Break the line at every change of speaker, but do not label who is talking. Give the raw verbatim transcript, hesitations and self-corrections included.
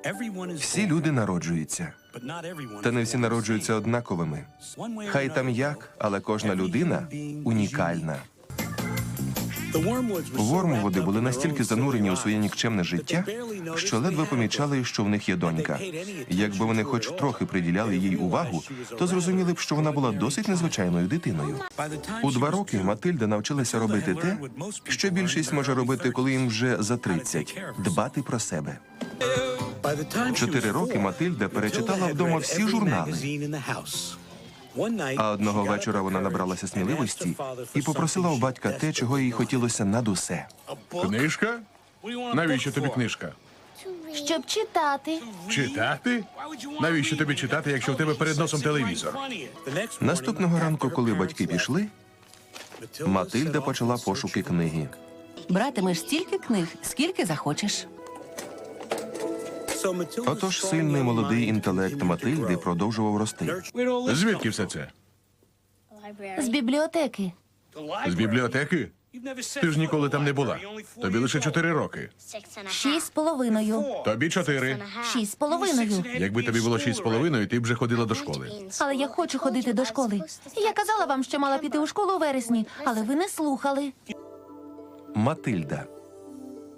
Всі люди народжуються, та не всі народжуються однаковими. Хай там як, але кожна людина унікальна. Вормвуди були настільки занурені у своє нікчемне життя, що ледве помічали, що в них є донька. Якби вони хоч трохи приділяли їй увагу, то зрозуміли б, що вона була досить незвичайною дитиною. У два роки Матильда навчилася робити те, що більшість може робити, коли їм вже за тридцять – дбати про себе. Чотири роки Матильда перечитала вдома всі журнали. А одного вечора вона набралася сміливості і попросила у батька те, чого їй хотілося над усе.
Книжка? Навіщо тобі книжка?
Щоб читати.
Читати? Навіщо тобі читати, якщо в тебе перед носом телевізор?
Наступного ранку, коли батьки пішли, Матильда почала пошуки книги.
Братимеш стільки книг, скільки захочеш.
Отож сильний молодий інтелект Матильди продовжував рости.
Звідки все це?
З бібліотеки.
З бібліотеки? Ти ж ніколи там не була. Тобі лише чотири роки.
Шість з половиною.
Тобі чотири.
Шість з половиною.
Якби тобі було шість з половиною, ти б вже ходила до школи.
Але я хочу ходити до школи. Я казала вам, що мала піти у школу у вересні, але ви не слухали.
Матильда.